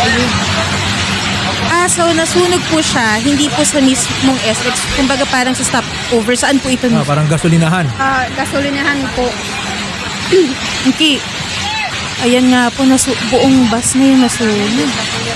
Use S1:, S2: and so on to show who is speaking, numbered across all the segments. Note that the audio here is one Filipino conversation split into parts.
S1: ayun. So nasunog po siya, hindi po sa mismong SX, kumbaga parang sa stopover. Saan po ito?
S2: Parang gasolinahan.
S3: Gasolinahan po.
S1: Okay. Ayan nga po, buong bus na yung nasunog.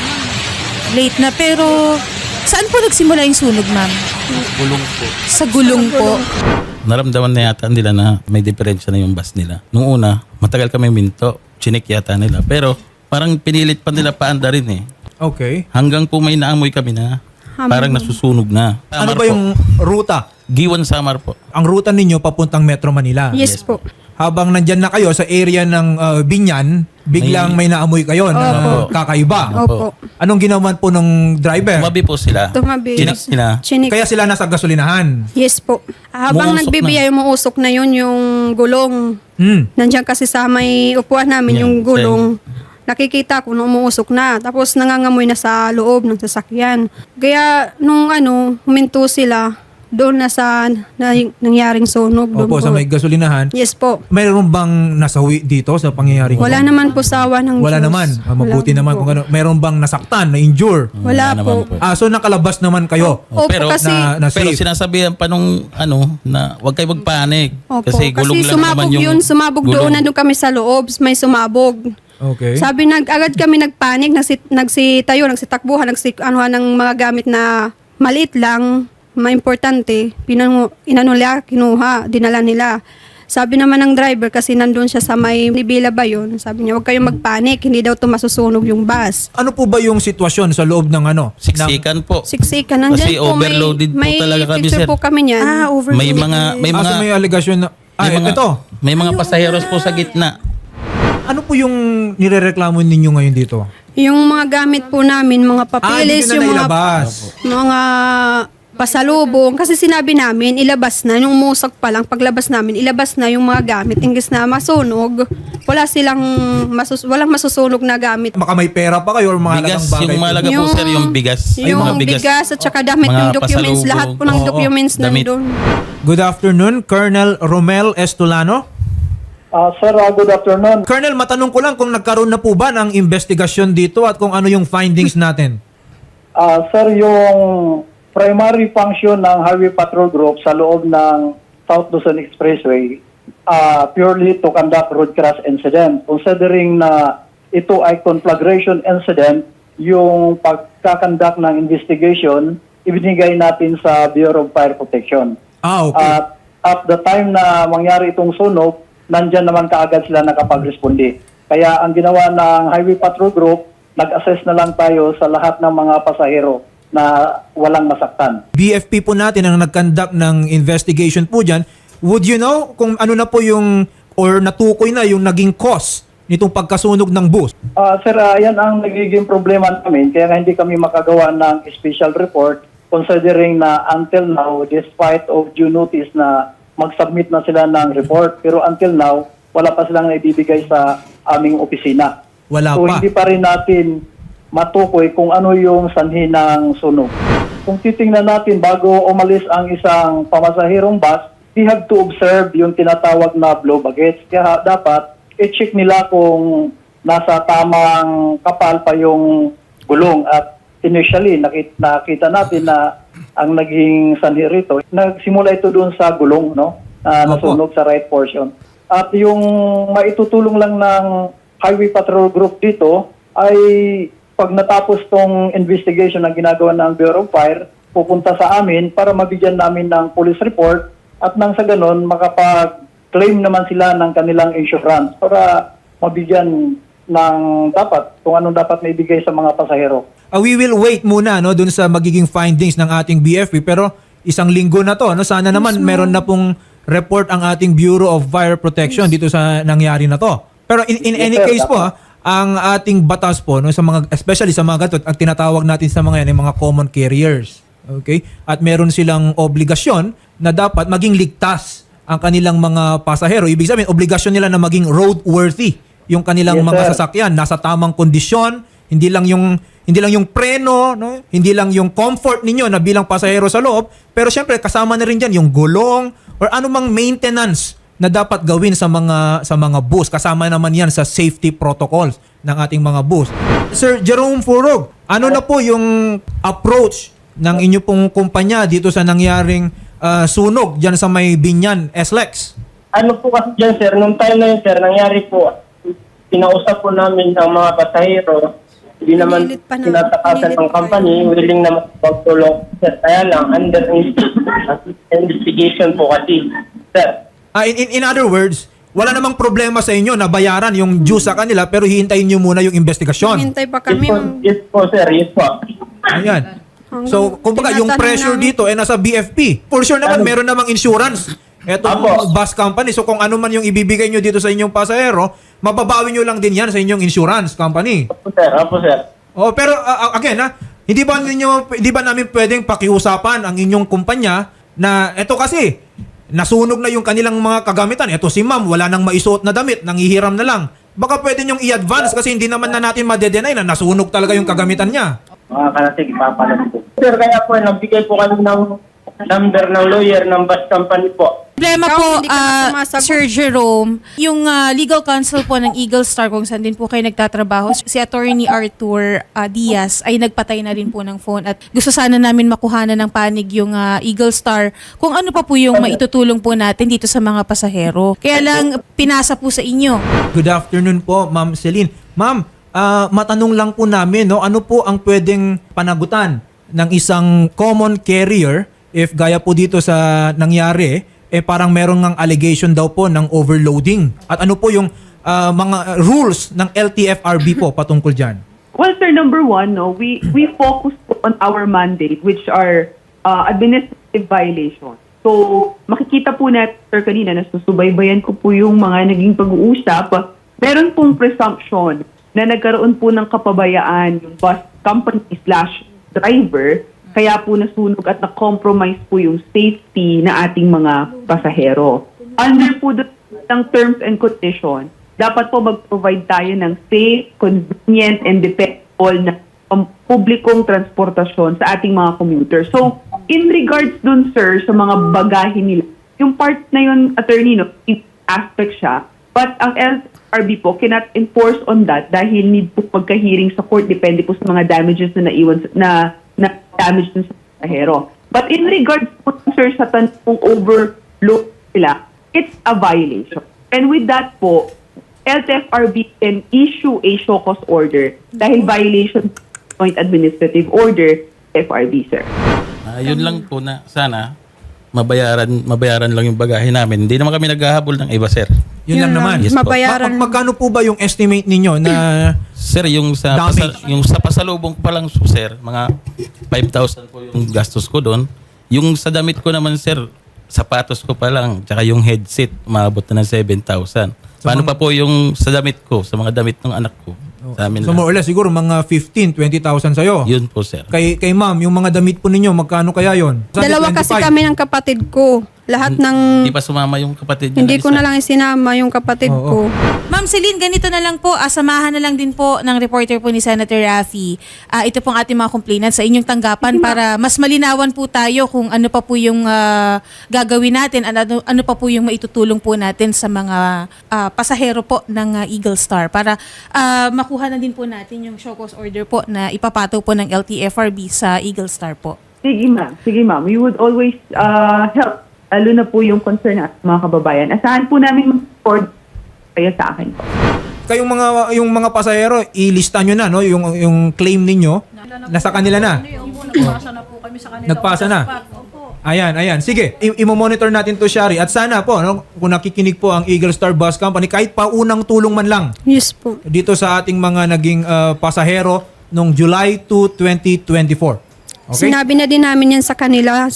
S1: Late na, pero saan po nagsimula yung sunog, ma'am?
S4: Gulong po.
S1: Sa gulong po.
S4: Naramdaman na yata nila na may diferensya na yung bus nila. Nung una, matagal kami minto. Chinik yata nila. Pero parang pinilit pa nila paanda rin eh.
S2: Okay.
S4: Hanggang po may naamoy kami na parang nasusunog na.
S2: Ano
S4: Samar
S2: ba yung ruta?
S4: Giwan Samar po.
S2: Ang ruta ninyo papuntang Metro Manila.
S3: Yes po.
S2: Habang nandyan na kayo sa area ng Binyan, biglang may naamoy kayo na kakaiba.
S3: Opo.
S2: Anong ginawa po ng driver?
S4: Tumabi po sila.
S3: Tumabi.
S4: Chinik sila.
S3: Chinik.
S2: Kaya sila nasa gasolinahan.
S3: Yes po. Habang
S4: Umuusok
S3: nagbibiyay, umuusok na yun yung gulong. Nandiyan kasi sa may upuan namin
S4: Yeah,
S3: yung gulong. Nakikita ko na umuusok na. Tapos nangangamoy na sa loob ng sasakyan. Kaya nung huminto sila, doon na sa nangyaring sunog. Doon
S2: Opo, sa may gasolinahan.
S3: Yes po.
S2: Mayroon bang nasawi dito sa pangyayaring
S3: Wala
S2: ito?
S3: naman po sa awa ng
S2: Wala
S3: Diyos.
S2: naman. Mabuti
S3: Wala
S2: naman
S3: po.
S2: kung ano. Mayroon bang nasaktan, na-injure?
S3: Wala
S4: naman
S3: po.
S2: So nakalabas naman kayo.
S3: Opo,
S4: Pero
S3: kasi
S2: na
S4: Pero
S2: safe.
S4: sinasabihan pa nung na huwag kayo magpanik.
S3: Opo,
S4: Kasi gulong lang naman
S3: sumabog
S4: yung
S3: yun. Sumabog
S4: gulong.
S3: doon. Nandun kami sa loob. May sumabog.
S2: Okay.
S3: Sabi, agad kami nagpanik. Nagsitayo, nagsitakbuhan, ng mga gamit na maliit lang, maimportante. Inanula, kinuha, dinala nila. Sabi naman ng driver, kasi nandun siya sa may Nibila ba yun? Sabi niya, huwag kayong magpanik. Hindi daw masusunog yung bus.
S2: Ano po ba yung sitwasyon sa loob ng
S4: Siksikan po.
S3: Siksikan. Nandyan
S4: Kasi
S3: po,
S4: overloaded po
S3: may
S4: talaga kami,
S3: picture
S4: sir.
S3: po kami niyan.
S1: Overloaded.
S4: May mga
S2: may allegation na... ito.
S4: May mga pasaheros po sa gitna.
S2: Ano po yung nirereklamo ninyo ngayon dito?
S3: Yung mga gamit po namin, mga papeles,
S2: Hindi na
S3: yung
S2: nailabas.
S3: mga pasalubong. Kasi sinabi namin, ilabas na. Nung umusok pa lang, paglabas namin, ilabas na yung mga gamit. Ingis na masunog, walang masusunog na gamit.
S2: Baka may pera pa kayo or mga
S4: Bigas,
S2: halagang bagay.
S4: yung mahalaga po sir, yung bigas.
S3: Yung bigas at saka damit,
S4: Mga
S3: yung documents,
S4: pasalubong.
S3: lahat po ng
S2: Oo,
S3: documents
S4: damit.
S3: nandun.
S2: Good afternoon, Colonel Romel Estolano.
S5: Sir, good afternoon.
S2: Colonel, matanong ko lang kung nagkaroon na po ba ng investigasyon dito at kung ano yung findings natin.
S5: Sir, yung primary function ng Highway Patrol Group sa loob ng South Luzon Expressway, purely to conduct road crash incident. Considering na ito ay conflagration incident, yung pagkakandak ng investigation, ibinigay natin sa Bureau of Fire Protection.
S2: Okay.
S5: At the time na mangyari itong sunog, nandyan naman kaagad sila nakapag-responde. Kaya ang ginawa ng Highway Patrol Group, nag-assess na lang tayo sa lahat ng mga pasahero na walang masaktan.
S2: BFP po natin ang nag-conduct ng investigation po dyan. Would you know kung ano na po yung or natukoy na yung naging cause nitong pagkasunog ng bus?
S5: Sir, yan ang nagiging problema namin. Kaya nga hindi kami makagawa ng special report considering na until now, despite of due notice na mag-submit na sila ng report. Pero until now, wala pa silang naibibigay sa aming opisina.
S2: Wala
S5: So
S2: pa.
S5: hindi pa rin natin matukoy kung ano yung sanhi ng sunog. Kung titingnan natin bago umalis ang isang pamasahirong bus, we have to observe yung tinatawag na blow baggage. Kaya dapat i-check nila kung nasa tamang kapal pa yung gulong. At initially, nakita natin na ang naging sanhi rito, nagsimula ito doon sa gulong, no? Nasunog sa right portion. At yung maitutulong lang ng Highway Patrol Group dito ay pag natapos tong investigation na ginagawa ng Bureau of Fire, pupunta sa amin para mabigyan namin ng police report at nang sa ganon makapag-claim naman sila ng kanilang insurance para mabigyan ng dapat kung anong dapat maibigay sa mga pasahero.
S2: We will wait muna no dun sa magiging findings ng ating BFP, pero isang linggo na to, no, sana naman meron na pong report ang ating Bureau of Fire Protection dito sa nangyari na to. Pero in any
S5: Yes, sir,
S2: case po, ang ating batas po no, sa mga, especially sa mga gatot, ang tinatawag natin sa mga yan ay mga common carriers. Okay? At meron silang obligasyon na dapat maging ligtas ang kanilang mga pasahero. Ibig sabihin, obligasyon nila na maging roadworthy yung kanilang
S5: Yes,
S2: mga
S5: sir.
S2: sasakyan, nasa tamang kondisyon, hindi lang yung preno, no? Hindi lang yung comfort ninyo na bilang pasahero sa loob, pero syempre kasama na rin diyan yung gulong or anumang maintenance na dapat gawin sa mga bus. Kasama naman 'yan sa safety protocols. ng ating mga bus. Sir Jerome Furog, ano na po yung approach ng inyo pong kumpanya dito sa nangyaring sunog dyan sa may Binyan, SLEX?
S6: Ano po kasi dyan, sir, nung time na yun, sir, nangyari po, pinausap po namin ang mga pasahero, hindi naman
S3: Pinilit pa na-
S6: tinatakasan
S3: pinilit
S6: ng
S3: pa
S6: company, willing naman magtulong. Sir, kaya lang, under investigation po kasi, sir.
S2: In other words, wala namang problema sa inyo na bayaran yung due sa kanila pero hihintayin nyo muna yung investigasyon.
S3: Hintay pa kami.
S6: Yes po, sir, yes po.
S2: Ayan. So, kumbaga, yung
S3: Tinatanong
S2: pressure
S3: namin.
S2: dito ay nasa BFP. For sure naman, meron namang insurance. Ito
S6: Apo.
S2: bus company. So, kung ano man yung ibibigay nyo dito sa inyong pasahero, mababawi nyo lang din yan sa inyong insurance company.
S6: Opo, sir, opo, sir.
S2: Oh, pero again, hindi ba namin pwedeng pakiusapan ang inyong kumpanya na eto kasi nasunog na yung kanilang mga kagamitan. Eto si ma'am, wala nang maisuot na damit, nanghihiram na lang. Baka pwede nyong i-advance kasi hindi naman na natin madedenay na nasunog talaga yung kagamitan niya.
S6: Mga kanatig, papalag po. Sir, kaya po, nagbigay po kami ng number ng lawyer ng bus company po.
S1: Problema
S3: Ikaw,
S1: po,
S3: hindi ka na sumasagot.
S1: Sir Jerome, yung legal counsel po ng Eagle Star kung saan din po kayo nagtatrabaho, si Attorney Arthur Diaz ay nagpatay na rin po ng phone at gusto sana namin makuhanan ng panig yung Eagle Star kung ano pa po yung maitutulong po natin dito sa mga pasahero. Kaya lang, pinasa po sa inyo.
S2: Good afternoon po, Ma'am Celine. Ma'am, matanong lang po namin, no, ano po ang pwedeng panagutan ng isang common carrier if gaya po dito sa nangyari, parang meron ng allegation daw po ng overloading. At ano po yung mga rules ng LTFRB po patungkol dyan?
S7: Well, sir, number one, no, we focus on our mandate, which are administrative violations. So, makikita po natin, sir, kanina, nasusubaybayan ko po yung mga naging pag-uusap. Meron pong presumption na nagkaroon po ng kapabayaan yung bus company/driver, kaya po nasunog at na-compromise po yung safety na ating mga pasahero. Under po ng terms and conditions, dapat po mag-provide tayo ng safe, convenient, and dependable na publikong transportasyon sa ating mga commuters. So, in regards dun, sir, sa mga bagahe nila, yung part na yun, attorney, no, aspect siya, but ang LRB po cannot enforce on that dahil need po pagka-hearing sa court, depende po sa mga damages na naiwan, na damage dun sa pasahero. But in regards po, sir, sa tanong overload sila, it's a violation. And with that po, LTFRB can issue a show cause order dahil violation joint administrative order FRB, sir.
S4: Yun lang po na sana mabayaran lang yung bagahe namin. Hindi naman kami naghahabol ng iba, sir.
S2: Yun lang naman.
S4: Yes po.
S3: Mabayaran.
S2: Magkano po ba yung estimate ninyo na
S4: Sir, yung sa
S2: Damage.
S4: yung sa pasalubong ko pa lang, sir, mga 5,000 po yung gastos ko doon. Yung sa damit ko naman, sir, sapatos ko pa lang, tsaka yung headset, umabot na ng 7,000. Paano pa po yung sa damit ko, sa mga damit ng anak ko? Sa amin
S2: so
S4: lang.
S2: more or less siguro mga 15-20,000 sa'yo?
S4: Yun po, sir.
S2: Kay ma'am, yung mga damit po ninyo, magkano kaya yon?
S3: Dalawa kasi kami ng kapatid ko. Lahat ng...
S4: Hindi pa sumama yung kapatid niya.
S3: Hindi ko na lang isinama yung kapatid ko.
S1: Ma'am Celine, ganito na lang po, samahan na lang din po ng reporter po ni Senator Raffy. Ito pong ating mga complainant sa inyong tanggapan para mas malinawan po tayo kung ano pa po yung gagawin natin, ano pa po yung maitutulong po natin sa mga pasahero po ng Eagle Star para makuha na din po natin yung show cause order po na ipapato po ng LTFRB sa Eagle Star po.
S7: Sige, ma'am. Sige, ma'am. We would always help, lalo na po yung concern natin, mga kababayan. Asahan po namin mag-support kayo sa akin po.
S2: Kayong mga pasahero, ilista nyo na no yung claim ninyo. Nasa kanila na.
S8: Nagpasa na po kami sa kanila.
S2: Nagpasa na. Ayan. Sige, i-monitor natin to, Shari. At sana po, no, kung nakikinig po ang Eagle Star Bus Company, kahit pa unang tulong man lang
S3: Yes po.
S2: dito sa ating mga naging pasahero noong July 2, 2024. Okay?
S3: Sinabi na din namin yan sa kanila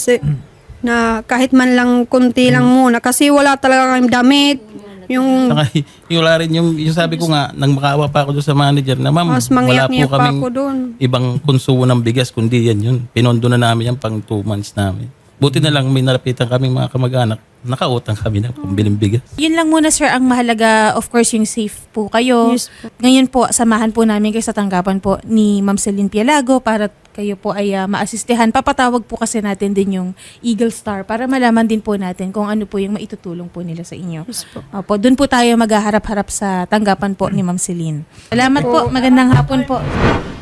S3: na kahit man lang kunti lang muna kasi wala talaga kami damit. Yung
S4: Saka, yung wala rin yung sabi ko nga, nang makaawa pa ako doon sa manager na, ma'am,
S3: mas
S4: wala po
S3: mangyak-ngyak pa
S4: kaming
S3: ako doon.
S4: ibang konsumo ng bigas, kundi yan yun. Pinondo na namin yan pang 2 months namin. Buti na lang may nalapitan kaming mga kamag-anak, nakautang kami na pambiling bigas.
S1: Yun lang muna sir, ang mahalaga of course yung safe po kayo.
S3: Yes po.
S1: Ngayon po, samahan po namin kayo sa tanggapan po ni Ma'am Celine Pialago para kayo po ay maasistehan. Papatawag po kasi natin din yung Eagle Star para malaman din po natin kung ano po yung maitutulong po nila sa inyo. Opo, doon po tayo maghaharap-harap sa tanggapan po ni Ma'am Celine. Salamat po. Magandang hapon po.